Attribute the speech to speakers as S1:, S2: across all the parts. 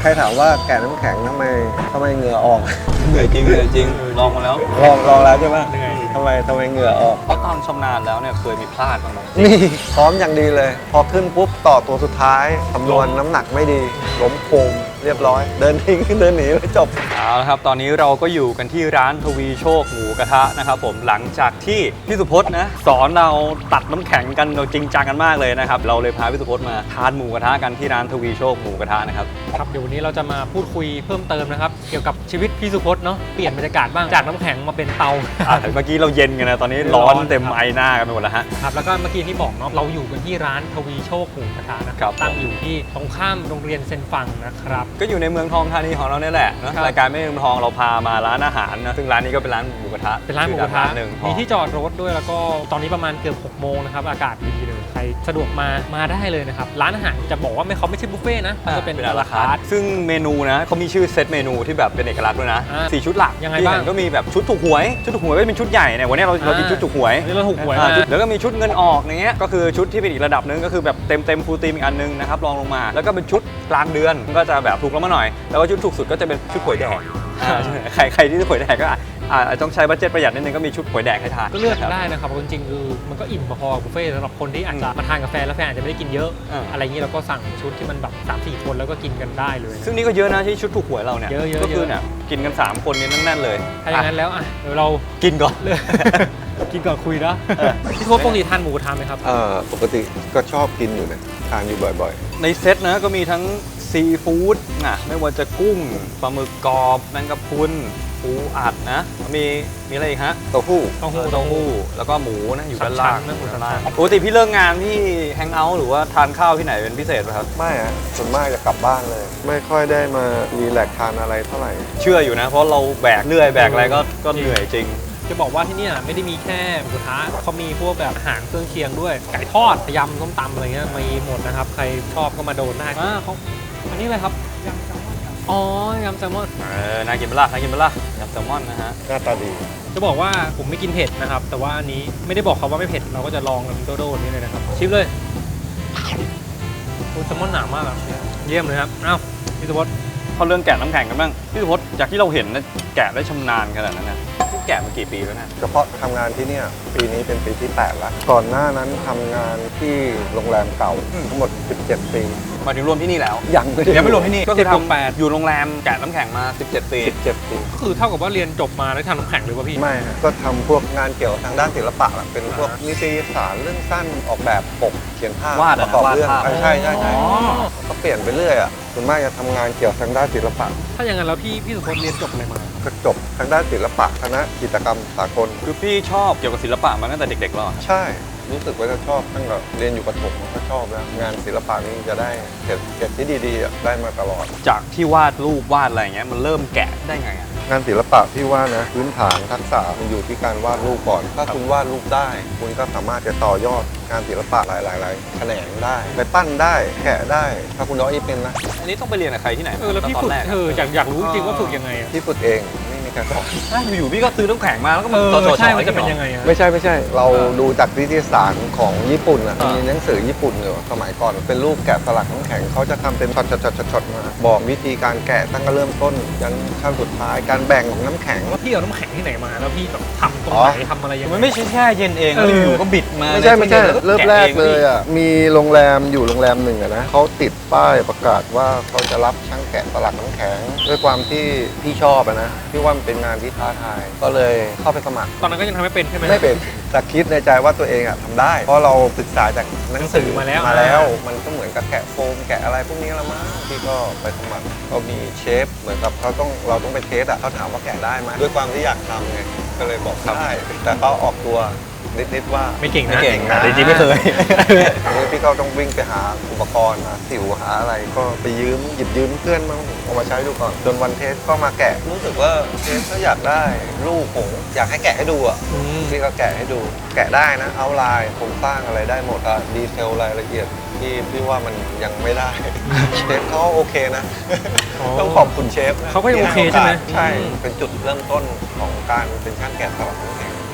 S1: รถามว่าแกะน้ำแข็งทำไมเหงื่อออก
S2: เหนื่อยจริงเหนื่อยจริงลองมาแล้ว
S1: ลองแล้วใช่ไหมทำไมเหงื่อออก
S2: เพราะตอนชำนาญแล้วเนี่ยเคยมีพลาดบ้างไหม
S1: นี่พร้อมอย่างดีเลย พอขึ้นปุ๊บต่อตัวสุดท้ายคำนวณน้ำหนักไม่ดีล้มโคมเรียบร้อย เดินทิ้งเดินหนีไม่จบ
S2: เอาละครับตอนนี้เราก็อยู่กันที่ร้านทวีโชคหมูกระทะนะครับผมหลังจากที่พี่สุพจน์นะสอนเราตัดน้ำแข็งกันจริงจังกันมากเลยนะครับเราเลยพาพี่สุพจน์มาทานหมูกระทะกันที่ร้านทวีโชคหมูกระทะนะครับ
S3: ครับเดี๋ยววันนี้เราจะมาพูดคุยเพิ่มเติมนะครับเกี่ยวกับชีวิตพี่สุพจน์เนาะเปลี่ยนบรรยากาศบ้างจากน้ำแข็งมาเป็นเตา
S2: เมื่อกี้เราเย็นกันนะตอนนี้ร้อนเต็มไอหน้ากันไปหมดแล้วฮะ
S3: ครับแล้วก็เมื่อกี้ที่บอกเนาะเราอยู่กันที่ร้านทวีโชคหมูกระทะนะครับตั้งอยู่ที่ตรงข้ามโรงเรียนเซนฟังนะครับ
S2: ก็อยู่ในเมืองทองธานีของเราเนี่ยแหละนะครับ รายการไม่เมืองทองเราพามาร้านอาหารนะซึ่งร้านนี้ก็เป็นร้านหมูกระทะ
S3: เป็นร้านหมูกระทะ
S2: หนึ่ง
S3: มีที่จอดรถด้วยแล้วก็ตอนนี้ประมาณเกือบ6 โมงนะครับอากาศดีเลยใครสะดวกมาได้เลยนะครับร้านอาหารจะบอกว่าเขาไม่ใช่บุฟเฟ่ต์นะจะเป็น
S2: ราคาซึ่งเมนูนะเขามีชื่อเซตเมนูที่แบบเป็นเอกลักษณ์ด้วยนะ4 ชุดหลัก
S3: ยังไง
S2: ที่
S3: บ้าง
S2: เห็นก็มีแบบชุดถูกหวยก็จะเป็นชุดใหญ่เนี่ยวันนี้เรากินชุดถูกหวย
S3: นี่เราถูกหวย
S2: แล้วก็มีชุดเงินออกอย่างเงี้ยก็คือชุดที่เป็นอีกระดับนึงก็คือแบบเต็มฟูลทีมอีกอันนึงนะครับรองลงมาแล้วก็เป็นชุดกลางเดือนก็จะแบบถูกลงมาหน่อยแล้วก็ชุดถูกสุดก็จะเป็นชุดหวยแดกใครที่หวยแดกก็ต้องใช้บัดเจ็ตประหยัดนิดนึงก็มีชุดหวยแดกให้ทาน
S3: ก็เลือกได้นะครับจริงๆคือมันก็อิ่มพอๆกับบุฟเฟ่ต์สำหรับคนที่อาจจะมาทานกาแฟแล้วแฟนอาจจะไม่ได้กินเยอะอะไรอย่างนี้เราก็สั่งชุดที่มันแบบ 3-4 คนแล้วก็กินกันได้เลย
S2: ซึ่งนี่ก็เยอะนะที่ชุดถูกหวยเราเนี่ย
S3: เยอะๆ
S2: ก็คือเนี่ยกินกัน3 คนนี้แน่นๆเลย
S3: ถ้าอย่างนั้นแล้วเดี๋ยวเรา
S2: กินก่อน
S3: กินก่อนคุยนะพี่โค้ชปกติทานหมูกระทะไหมครับ
S1: ปกติก็ชอบกินอยู่นะทานอยู่บ่อย
S2: ในเซตนะก็มีทั้งซีฟู้ดไม่ว่าจะกุ้งปลาหมึกกรอบแมงกะพรุนปูอัดนะมีอะไรอีกฮะ
S1: ๆเต้าหู้
S3: เต้าหู้
S2: แล้วก็หมูนะอยู่ด้านล่าง
S3: สามชั้นนะหมูสามชั้น
S2: ปกติพี่เลิกงานพี่แฮงเอาท์หรือว่าทานข้าวที่ไหนเป็นพิเศษไหมครับ
S1: ไม่อะส่วนมากจะกลับบ้านเลย ไม่ค่อยได้มารีแลกซ์ทานอะไรเท่าไหร่
S2: เชื่ออยู่นะ เพราะเราแบกเรื่อยแบกอะไรก็เหนื่อยจริง
S3: จะบอกว่าที่นี่ไม่ได้มีแค่หมูกระทะเขามีพวกแบบอาหารเครื่องเคียงด้วยไก่ทอดยำส้มตำอะไรเงี้ยมีหมดนะครับใครชอบก็มาโดนได้เขาอันนี้อะไรครับยำแซลมอนอ๋อยำแซลมอน
S2: น่ากินเปล่ายำแซลมอนนะฮะ
S1: หน้าตาดี
S3: จะบอกว่าผมไม่กินเผ็ดนะครับแต่ว่าอันนี้ไม่ได้บอกเขาว่าไม่เผ็ดเราก็จะลองกันโดๆนี่เลยนะครับชิมเลยโอ้แซลมอนหนามากครับเยี่ยมเลยครับอ้าวพี่สุพจน์
S2: เข้าเรื่องแกะน้ำแข็งกันบ้างพี่สุพจน์จากที่เราเห็นนะแกะได้ชำนาญขนาดนั้นนะพี่แกะมากี่ปีแล้วนะ
S1: เฉพาะทำงานที่เนี่ยปีนี้เป็นปีที่ 8 แล้ว ก่อนหน้านั้นทำงานที่โรงแรมเก่าทั้งหมด 17 ปี
S2: มาถึงรวมที่นี่แล้ว
S1: ยังไม่ได้
S2: ยังไม่รวมที่นี่ก็คือ
S3: 7 8
S2: อยู่โรงแรมแกะน้ำแข็งมา17 ปี
S1: 17 ปี
S3: ก็คือเท่ากับว่าเรียนจบมาแล้วทำน้ำแข็งหรือว่าพี่
S1: ไม่ฮะก็ทำพวกงานเกี่ยวกับทางด้านศิลปะแหละเป็นพวกนิตยสารเรื่องสั้นออกแบบปกเขียนภาพ
S2: วาด
S1: ประกอบ
S2: วาด
S1: เรื่อง
S2: ภาพ
S1: ใช่ก็เปลี่ยนไปเรื่อยอ่ะส่วนมากจะทำงานเกี่ยวกับทางด้านศิลปะ
S3: ถ้าอย่างนั้นแล้วพี่สุพจน์เรียนจบอะไรมา
S1: ก็จบทางด้านศิลปะคณะจิตรกรรมสากล
S2: คือพี่ชอบเกี่ยวกับศิลปะมาตั้งแต่เด็กๆแล้วเหรอ
S1: ใช่รู้สึกว่าจะชอบตั้งแต่เรียนอยู่ประถมก็ชอบแล้วงานศิลปะนี้จะได้เกรดที่ดีๆอ่ะได้มาตลอด
S2: จากที่วาดรูปวาดอะไรอย่างเงี้ยมันเริ่มแกะได้ไงอะ
S1: งานศิลปะพี่ว่านะพื้นฐานทักษะมันอยู่ที่การวาดรูปก่อน ถ้าคุณวาดรูปได้ คุณก็สามารถจะต่อยอดงานศิลปะหลายๆแขนงได้ ไปปั้นได้แกะได้ ถ้าคุณน้อยเป็นนะ
S2: อันนี้ต้องไปเรียนกับใครที่ไหน
S3: แล้วพี่
S2: ตอ
S3: ฝึ
S2: น
S3: ก
S2: แรก
S3: อยากรู้จริงว่าฝึกยังไงอะ
S1: ที่ฝึกเองไม่มีการสอน
S2: อยู่ๆพี่ก็ซื้อน้ำแข็งมาแล้วก็มาสอน
S3: ใช่
S2: ๆ
S3: มันจะเป็น
S2: ให้
S3: ยังไงอะ
S1: ไม่ใช่ เราดูจากนิตยสารของญี่ปุ่นอ่ะมีหนังสือญี่ปุ่นอยู่สมัยก่อนเป็นรูปแกะสลักน้ำแข็งเขาจะทำเป็นช็อตๆมาบอกวิธีการแกะตั้งแต่เริ่มต้นยันขั้นสุดท้ายการแบ่งของน้ำแข็ง
S3: ว่าพี่เอาน้ำแข็งที่ไหนมาแล้วพี่แบบทำตรงไหนทำอะไรยังไง
S2: มันไม่ใช่แช่เย็นเองแล้วอยู่ๆก็บิดมา
S1: ไม่ใช่
S2: แล้ว
S1: เริ่มแรกเลยอ่ะมีโรงแรมอยู่โรงแรมหนึ่งอะนะเขาติดป้ายประกาศว่าเขาจะรับช่างแกะสลักน้ำแข็งด้วยความที่พี่ชอบอะนะพี่ว่ามันเป็นงานที่ท้าทายก็เลยเข้าไปสมัคร
S3: ตอนนั้นก็ยังทำไม่เป็นใช่ไหม
S1: ไม่เป็นแต่คิดในใจว่าตัวเองอะทำได้ เพราะเราศึกษาจากหนังสือ
S3: มาแล้ว
S1: มันก็เหมือนกับแกะโฟมแกะอะไรพวกนี้ละมั้งพี่ก็ไปสมัครก็มีเชฟเหมือนกับเราต้องไปเทสอะเขาถามว่าแกะได้ไหมด้วยความที่อยากทำไงก็เลยบอกได้แต่เขาออกตัวนิดๆว่า
S3: ไม่เก่ง
S2: ไม่
S3: นะ
S2: เก่งนะจริงๆไม่เคย
S1: พี่ก็ต้องวิ่งไปหาอุปกรณ์หาสิวหาอะไรก็ไปหยิบยืมเพื่อนมาเอามาใช้ดูก่อนจนวันเทสก็มาแกะรู้สึกว่าเทสก็อยากได้รูปผมอยากให้แกะให้ดูอ่ะพี่ก็แกะให้ดูแกะได้นะเอาลายโครงสร้างอะไรได้หมดอะดีเทลรายละเอียดที่พี่ว่ามันยังไม่ได้ เชฟเขาโอเคนะ ต้องขอบคุณเชฟนะ
S3: เขาก็ยังโอเคใช่ไหม
S1: ใช่เป็นจุดเริ่มต้นของการเป็นช่างแกะสลักน้ำแข็ง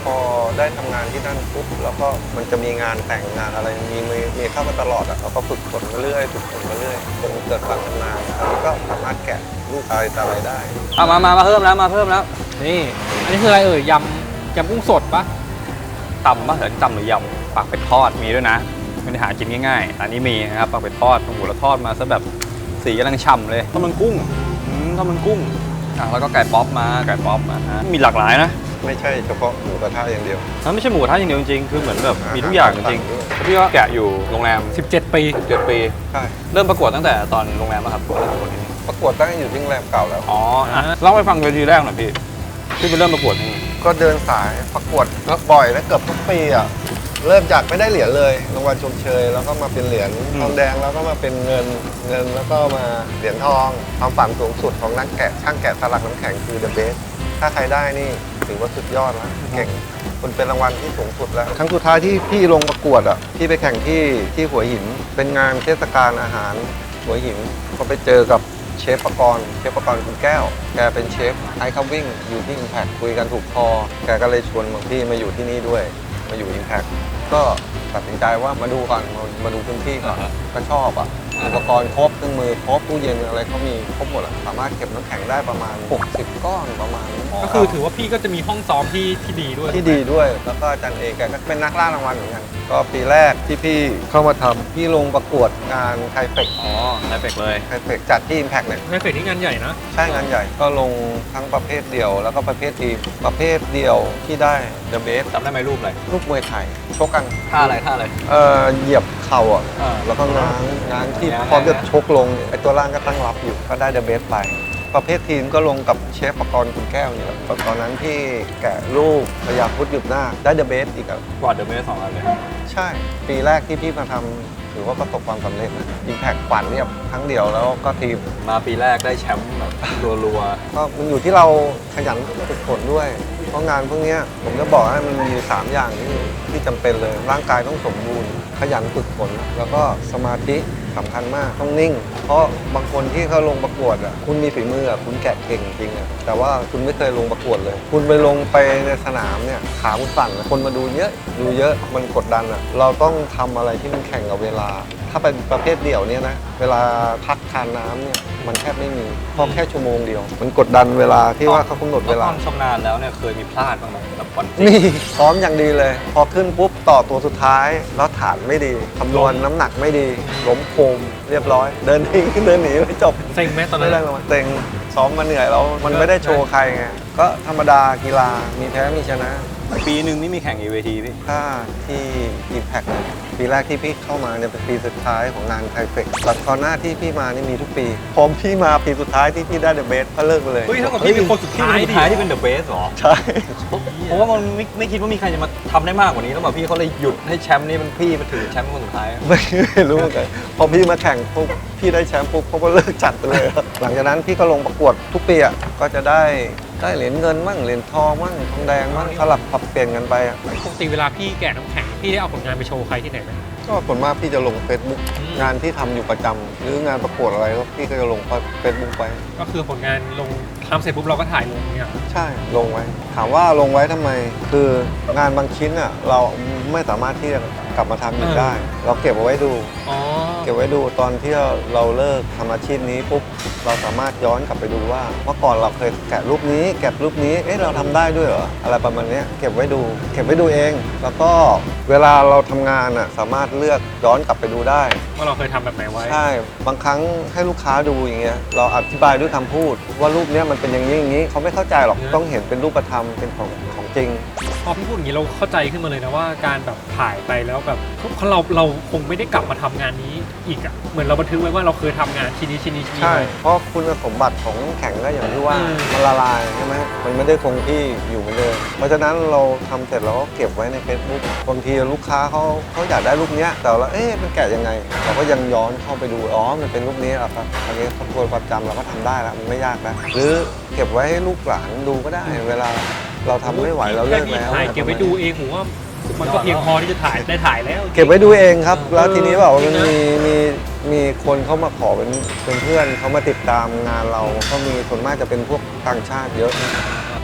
S1: พอได้ทำงานที่นั่นปุ๊บแล้วก็มันจะมีงานแต่งงานอะไรมีเข้ามาตลอดอ่ะเราก็ฝึกฝนมาเรื่อยฝึกฝนมาเรื่อยจนเกิดความชำนาญแล้วก็สามารถแกะลูกอะไรต่ออะไรได้
S2: เอามาเพิ่มแล้วมาเพิ่มแล้ว
S3: นี่อันนี้คืออะไรยำกุ้งสดปะ
S2: ตำมะเขือตำหรือยำปากเป็ดทอดมีด้วยนะไม่ได้หากินง่ายๆอันนี้มีนะครับปากเป็ดทอดโอ้โหแล้วทอดมาซะแบบสีกำลังฉ่ำเลยข้าวมันกุ้งข้าวมันกุ้งแล้วก็ไก่ป๊อปมามีหลากหลายนะ
S1: ไม่ใช่เฉพาะหมูกระทะอย่างเดียว
S2: มันไม่ใช่หมูกระทะอย่างเดียวจริงๆคือเหมือนแบบมีทุกอย่างจริงๆพี่ก็แกะอยู่โรงแรม
S3: 17 ปี
S2: 7 ปี
S1: ใช่
S2: เริ่มประกวดตั้งแต่ตอนโรงแรมป่ะครับเริ่มประกวดที่นี่
S1: ประกวดตั้งแต่อยู่ที่โรงแรมเก่าแล้ว
S2: อ๋อเล่าให้ฟังเวทีแรกหน่อยพี่ไปเริ่มประกวดนี่
S1: ก็เดินสายประกวดก็บ่อยและเกือบทุกปีอ่ะเริ่มจากไม่ได้เหรียญเลยรางวัลชมเชยแล้วก็มาเป็นเหรียญทองแดงแล้วก็มาเป็นเงินแล้วก็มาเหรียญทองความฝันสูงสุดของนักแกะช่างแกะสลักน้ำแข็งคือ The Best ถ้าใครได้นี่ถือว่าสุดยอดแล้วเก่งมันเป็นรางวัลที่สูงสุดแล้วครั้งสุดท้ายที่พี่ลงประกวดอ่ะพี่ไปแข่งที่หัวหินเป็นงานเทศกาลอาหารหัวหินก็ไปเจอกับเชฟประกรณ์คุณแก้วแกเป็นเชฟไอคัมวิ่งอยู่ที่ Impact คุยกันถูกคอแกก็เลยชวนพี่มาอยู่ที่นี่ด้วยมาอยู่ Impact ก็ตัดสินใจว่ามาดูก่อนมาดูพื้นที่ก่อนก็ชอบอ่ะอุปกรณ์ครบเครื่องมือครบตู้เย็นอะไรเขามีครบหมดอ่ะสามารถเก็บน้ำแข็งได้ประมาณ60ก้อนประมาณนี้
S3: ก็คือถือว่าพี่ก็จะมีห้องซ้อมที่ดีด้วย
S1: ที่ดีด้วยแล้วก็อาจารย์เอกแกก็เป็นนักล่ารางวัลเหมือนกันก็ปีแรกที่พี่เข้ามาทำพี่ลงประกวดงานไทเฟก
S2: อ๋อไทเฟกเลย
S1: จัดที่ Impact เนี่ย
S3: ในเฟสที่งานใหญ่นะ
S1: ใช่งานใหญ่ก็ลงทั้งประเภทเดี่ยวแล้วก็ประเภททีมประเภทเดี่ยวที่ได้ The Best
S2: จำได้ไหมรูปอะไร
S1: ลูกมวยไทยชกกัน
S2: ท่าอะไร
S1: เหยียบเข่าอ่ะ
S2: อ่า
S1: แล้วก็ง้างที่
S2: ง้าง
S1: พร้อมจะชกลงไอ้ตัวล่างก็ตั้งรับอยู่ก็ได้ The Best ไปประเภททีมก็ลงกับเชฟประกรณ์คุณแก้วนี่แหละตอนนั้นที่แกะลูกพยาพุทธหยุดหน้าได้ The Best อีกอ่ะ
S2: กวาดเดอะเบส2 อันเลย
S1: ใช่ ปีแรกที่พี่มาทำถือว่าประสบความสำเร็จนะ Impact ขวัญเรียบครั้งเดียวแล้วก็ทีม
S2: มาปีแรกได้แชมป์แบบรัว
S1: ก็มันอยู่ที่เราขยันฝึกฝนด้วย เพราะงานพวกเนี้ยผมจะบอกให้มันมีอยู่3อย่างที่จำเป็นเลย ร่างกายต้องสมบูรณ์ ขยันฝึกฝน แล้วก็สมาธิสำคัญมากต้องนิ่ง เพราะบางคนที่เขาลงประกวดอ่ะคุณมีฝีมืออ่ะคุณแกะเก่งจริงอ่ะแต่ว่าคุณไม่เคยลงประกวดเลย คุณไปลงไปในสนามเนี่ยขาคุณสั่นอะคนมาดูเยอะมันกดดันอ่ะเราต้องทำอะไรที่มันแข่งกับเวลา ถ้าเป็นประเภทเดี่ยวเนี่ยนะเวลาพักทานน้ำเนี่ยมันแทบไม่มีเพราะแค่ชั่วโมงเดียว มันกดดันเวลาที่ว่าเขากำหนด
S2: ๆ
S1: เวลา
S2: ตอนชำนาญแล้วเนี่ยเคยมีพลาดบ้างไหมแบบวันจริง
S1: นี่ซ้อมอย่างดีเลย พอขึ้นปุ๊บต่อตัวสุดท้าย แล้วฐานไม่ดีคำนวณน้ำหนักไม่ดีล้มโคมเรียบร้อย เดินทิ้งเดินหนีไม่จบ
S3: เซ็งไหมตอนนั้
S1: ไม่
S3: น
S1: ได้รางวัลเต็งซ้อมมาเหนื่อยแล้วมันไม่ได้โชว์ใครไงก็ธรรมดากีฬามีแพ้มีชนะ
S2: ปีหนึ่งนี่มีแข่งกี่เวทีพี่
S1: ถ้าที่ Impact เนี่ยปีแรกที่พี่เข้ามาเนี่ยเป็นปีสุดท้ายของงานไทเฟกแต่ก่อนหน้าที่พี่มานี่มีทุกปีพอพี่มาปีสุดท้ายที่พี่ได้เดอะเบสก็เลิกไปเลย
S3: เฮ้ยเท่ากับพี่เป็นคนสุดท้ายดิ
S2: ที่เป็นเดอะเบสหรอ
S1: ใช่
S2: เพราะว่ามันไม่คิดว่ามีใครจะมาทำได้มากกว่านี้แล้วแบบพี่เขาเลยหยุดให้แชมป์นี่มันพี่มาถือแชมป์เป็นคนสุดท้าย
S1: ไม่รู้เหมือนกันพอพี่มาแข่งปุ๊บพี่ได้แชมป์ปุ๊บเขาก็เลิกจัดไปเลยหลังจากนั้นพี่ก็ลงประกวดทุกปีอ่ะก็จะได้เหรียญเงินมั่งเหรียญทองมั่งทองแดงมั่งสลับปรับเปลี่ยนกันไปอ่ะ
S3: ปกติเวลาพี่แกะน้ำแข็งพี่ได้เอาผลงานไปโชว์ใครที่ไหนไหม
S1: ก็ส่วนมากพี่จะลง Facebook
S3: อืม
S1: งานที่ทำอยู่ประจำหรืองานประกวดอะไรก็พี่ก็จะลงเฟซบุ๊กไป
S3: ก็คือผลงานลงทำเสร็จปุ๊บเราก็ถ่ายลงเนี่ย
S1: ใช่ลงไว้ ถามว่าลงไว้ทำไม คืองานบางชิ้นอ่ะเราไม่สามารถที่จะกลับมาทำอีกได้ เราเก็บเอาไว้ดู
S3: อ๋อ
S1: เก็บไว้ดูตอนที่เราเลิกทำอาชีพนี้ปุ๊บเราสามารถย้อนกลับไปดูว่าเมื่อก่อนเราเคยแกะรูปนี้แกะรูปนี้เอ๊ะเราทำได้ด้วยเหรออะไรประมาณเนี้ยเก็บไว้ดูเอง แล้วก็เวลาเราทำงานอ่ะสามารถเลือกย้อนกลับไปดูได้
S3: ว่าเราเคยทำแบบไหนไว้
S1: ใช่บางครั้งให้ลูกค้าดูอย่างเงี้ยเราอธิบายด้วยคำพูด ว่ารูปเนี้ยมันเป็นอย่างนี้อย่างนี้เขาไม่เข้าใจหรอกต้องเห็นเป็นรูปธรรมเป็นของจริง
S3: พอพี่พูดอย่างนี้เราเข้าใจขึ้นมาเลยนะว่าการแบบถ่ายไปแล้วแบบเราคงไม่ได้กลับมาทำงานนี้อีกอะเหมือนเราบันทึกไว้ว่าเราเคยทำงานชิ้นนี้
S1: ใช่
S3: ไว้
S1: เพราะคุณสมบัติของน้ำแข็งก็อย่างที่ว่า
S3: อืม
S1: มันละลายใช่ไหมมันไม่ได้คงที่อยู่เหมือนเดิมเพราะฉะนั้นเราทำเสร็จเราก็เก็บไว้ใน Facebook บางทีลูกค้าเขาอยากได้รูปเนี้ยแต่เราเอ๊ะมันแกะยังไง เราก็ยังย้อนเข้าไปดูอ๋อมันเป็นรูปนี้เหรอครับอันนี้ทวนความจำเราก็ทำได้แล้วมันไม่ยากนะหรือเก็บไว้ให้ลูกหลานดูก็ได้เวลาเราทำไม่ไหวเราเลิก
S3: แค่พี่
S1: แล้ว
S3: ถ่ายเก็บไว้ดูเองผมว่ามันก็เพียงพอที่จะถ่ายแล้ว
S1: เก็บไว้ดูเองครับ แล้วทีนี้แบบว่ามัน
S3: จริงนะ
S1: มีคนเข้ามาขอเป็นเพื่อนเขามาติดตามงานเราก็มีส่วนมากจะเป็นพวกต่างชาติเยอะ
S3: พ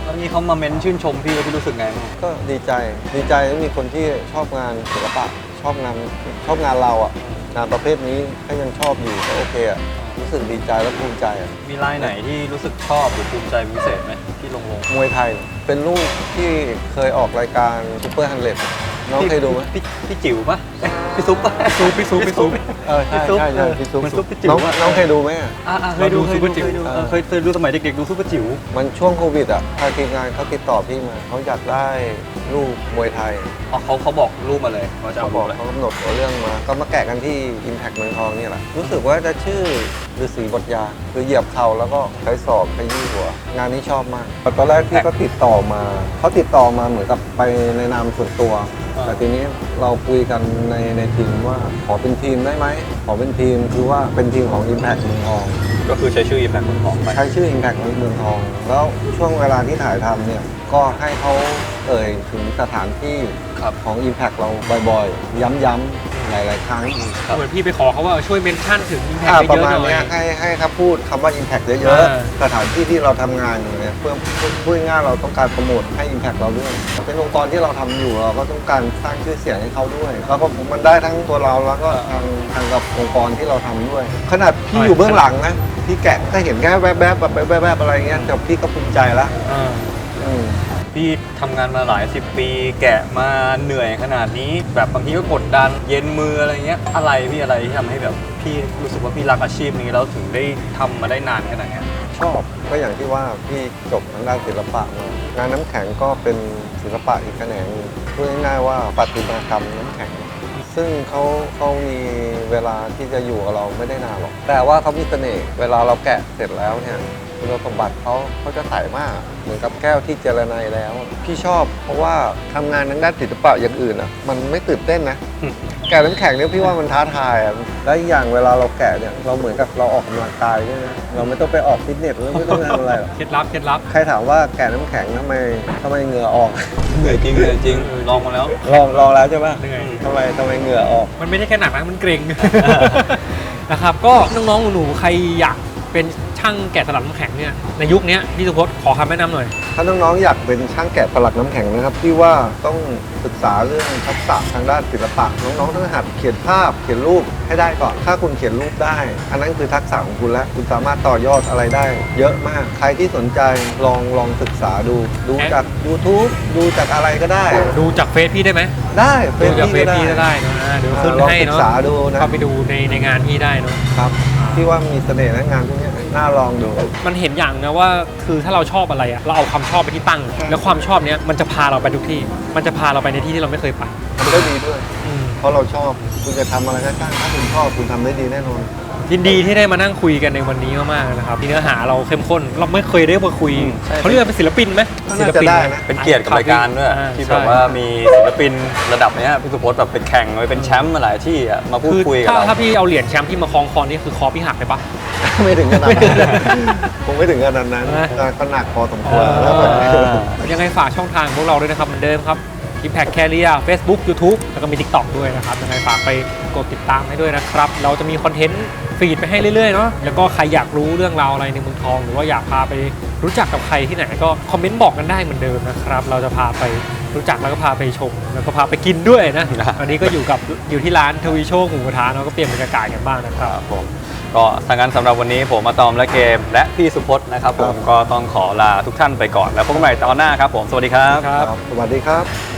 S2: แล้วนี่เขามาเม้นชื่นชมพี่แล้วพี่รู้สึกไงบ้าง
S1: ก็ดีใจที่มีคนที่ชอบงานศิลปะชอบงานเราอ่ะงานประเภทนี้ถ้ายังชอบอยู่ก็โอเคอ่ะรู้สึกดีใจและภูมิใจอ่ะ
S2: มีลายไหนที่รู้สึกชอบหรือภูมิใจเป็นพิเศษไหมที่ลง
S1: มวยไทยเป็นลูกที่เคยออกรายการซูเปอร์ฮันเลดน้องเคยดูไหม
S2: พี่จิ๋วปะเอ๊ะพี่ซุปปะ
S3: พี่ซุป
S1: ใช่พี่ซุป
S2: มันซุปพี่จิ๋ว
S1: น้องเคยดูไหมอะ
S2: เคยดูเคยดูสมัยเด็กๆดูซุปเปอร์จิ๋ว
S1: มันช่วงโควิดอ่ะทางทีมงานเขาติดต่อพี่มาเขาอยากได้ลูกมวยไทย
S2: เขาบอกรูปมาเลยเขาจะ
S1: เขา
S2: เอา
S1: บอก
S2: เลย
S1: เขากำหนดตัวเรื่องมาก็มาแกะกันที่ Impact เมืองทองนี่แหละรู้สึกว่าจะชื่อฤาษีบทยาคือเหยียบเข่าแล้วก็ใช้ศอกขยี้หัว งานนี้ชอบมากตอนแรกที่เขาติดต่อมาเหมือนกับไปในนามส่วนตัว แต่ทีนี้เราคุยกันในทีมว่าขอเป็นทีมได้ไหมขอเป็นทีมคือว่าเป็นทีมของ Impact เมืองทอง
S2: ก็คือใช้ชื่อ Impact เมืองทองไป
S1: ใช้ชื่อ Impact เมืองทอง แล้วช่วงเวลาที่ถ่ายทำเนี่ยก็ให้เขาเอ่ยถึงสถานที่
S2: ครับ
S1: ของ Impact เราบ่อยๆ ย้ำๆหลายๆครั้ง
S3: เหมือนพี่ไปขอเขาว่าช่วยเมนชั่นถึง Impact
S1: ป
S3: เย
S1: ระ
S3: อะ
S1: มาณ
S3: ๆหน่อย
S1: เนี้ยให้ครับพูดคำว่า Impact เย
S3: อ่า
S1: อะๆ สถานที่ที่เราทำงานอยู่เนี่ยเพื่อพูดง่ายๆเราต้องการโปรโมทให้ Impact เราด้วย เป็นองค์กรที่เราทำอยู่เราก็ต้องการสร้างชื่อเสียงให้เขาด้วย แล้วก็มันได้ทั้งตัวเราแล้วก็ทางกับองค์กรที่เราทำด้วย ขนาดพี่อยู่เบื้องหลังนะพี่แกะก็เห็นแค่แวบๆแบบแวบๆอะไรเงี้ยแต่พี่ก็ภูมิใจละ
S3: อ่า
S1: อืม
S2: พี่ทำงานมาหลาย10 ปีแกะมาเหนื่อยขนาดนี้ แบบบางทีก็กดดันเย็นมืออะไรเงี้ยอะไรที่ทำให้แบบพี่รู้สึกว่าพี่รักอาชีพนี้แล้วถึงได้ทำมาได้นานขนาดเนี้ย
S1: ชอบก็อย่างที่ว่าพี่จบทางด้านศิลปะมางานน้ำแข็งก็เป็นศิลปะอีกแขนงหนึ่งพูดง่ายๆว่าประติมากรรมน้ำแข็ง ซึ่งเขามีเวลาที่จะอยู่กับเราไม่ได้นานหรอกแต่ว่าเขามีเสน่ห์เวลาเราแกะเสร็จแล้วเนี่ยคุณสมบัติเขาจะใสมากเหมือนกับแก้วที่เจรไนแล้ว พี่ชอบเพราะว่าทำงานทางด้านศิลปะอย่างอื่นอ่ะมันไม่ตื่นเต้นนะ แกะน้ำแข็งเนี่ยพี่ว่ามันท้าทายอ่ะและอีกอย่างเวลาเราแกะเนี่ยเราเหมือนกับเราออกกำลังกายด้วยนะเราไม่ต้องไปออกฟิตเนสหรือไม่ต้องทำอะไรหรอก
S3: เคล็ดลับ
S1: ใครถามว่าแกะน้ำแข็งทำไมเหงื่อออก
S2: เหนื่อยจริงลองมาแล้ว
S1: ลองแล้วใช่ปะ
S3: เหนื่อย
S1: ทำไไมเหงื่อออก
S3: มันไม่ได้แค่หนักนะมันเกร็ง นะครับก็น้องๆหนูๆใครอยากเป็นช่างแกะสลักน้ำแข็งเนี่ยในยุคนี้พี่สุพจน์ขอคำแนะนำหน่อย
S1: ถ้าน้องๆอยากเป็นช่างแกะสลักน้ำแข็งนะครับพี่ว่าต้องศึกษาเรื่องทักษะทางด้านศิลปะน้องๆต้องหัดเขียนภาพเขียนรูปให้ได้ก่อนถ้าคุณเขียนรูปได้ อันนั้นคือทักษะของคุณแล้วคุณสามารถต่อยอดอะไรได้ เยอะมากใครที่สนใจลองศึกษาดูจาก YouTube ดูจากอะไรก็ได้
S3: ดูจากเฟซพี่ได้ไหม
S1: ได้
S3: ดูจากเฟซพี่
S1: ก็
S3: ได้เนอะเดี๋ยวขึ้น
S1: ลอง
S3: ให้
S1: ศึก
S3: เนาะ
S1: ษาดูนะ
S3: เข้าไปดูในงานพี่ได้เนาะ
S1: ครับพี่ว่ามีเสน่ห์นะงานพวกนี้น่าลองดู
S3: มันเห็นอย่างนะว่าคือถ้าเราชอบอะไรอะเราเอาความชอบไปที่ตั้ง แล้วความชอบเนี้ยมันจะพาเราไปทุกที่ มันจะพาเราไปในที่ที่เราไม่เคยไป
S1: ทำได้ดีด้วย
S3: อืม
S1: เพราะเราชอบคุณจะทำอะไรก็ช่างถ้าคุณชอบคุณทำได้ดีแน่นอน
S3: ยินดีที่ได้มานั่งคุยกันในวันนี้มากๆนะครับที่เนื้อหาเราเข้มข้นเราไม่เคยได้มาคุย
S2: ใช่
S3: เขาเรียกว่าเป็นศิลปินไหม
S1: ก็
S3: ศิ
S1: น่า
S3: ล
S1: จะ
S3: ปิน
S1: ได้นะ
S2: เป็นเกียรติกับรายการด้วย
S3: อ่า
S2: ที่
S3: ใช่
S2: แบบว่ามีศิลปินระดับเนี้ยพี่สุพจน์แบบไปแข่งไปเป็นแชมป์มาหลายที่อะมาพูด
S3: คือ
S2: คุยกับ
S3: ถ้า
S2: เรา
S3: ถ้าพี่เอาเหรียญแชมป์ที่มาคล้องคอนี่คือคอพี่หักเลยปะ
S1: ไม่ถึงขนาดนั้นคงไม่ถึงขนาดนั้น
S3: นะ
S1: แต่ก็หนักพอสมควรแล้วแบบ
S3: ยังไงฝากช่องทางพวกเราด้วยนะครับเหมือนเดิมครับ Impact Career Facebook YouTube แล้วก็มี TikTok ด้วยนะครับยังไงฝากไปกดติดตามให้ด้วยนะครับ เราจะมีคอนเทนต์ฟีดไปให้เรื่อยๆเนาะแล้วก็ใครอยากรู้เรื่องราวอะไรในเมืองทอง หรือว่าอยากพาไปรู้จักกับใครที่ไหนก็คอมเมนต์บอกกันได้เหมือนเดิมนะครับ เราจะพาไปรู้จักแล้วก็พาไปชม แล้วก็พาไปกินด้วยนะ อันนี้ก็อยู่ที่ร้านทวีโชคหมูกระทะเนาะก็เปลี่ยนบรรยากาศกันบ้างนะค
S2: ครับ รับผมก็ทางนั้นสำหรับวันนี้ผมมาตอมและเกม และพี่สุพจน์นะครับผมก็ต้องขอลาทุกท่านไปก่อนแล้วพบกันใหม่ตอนหน้าครับผมสวัสดีครับ
S3: ครับ
S1: สวัสดีครับ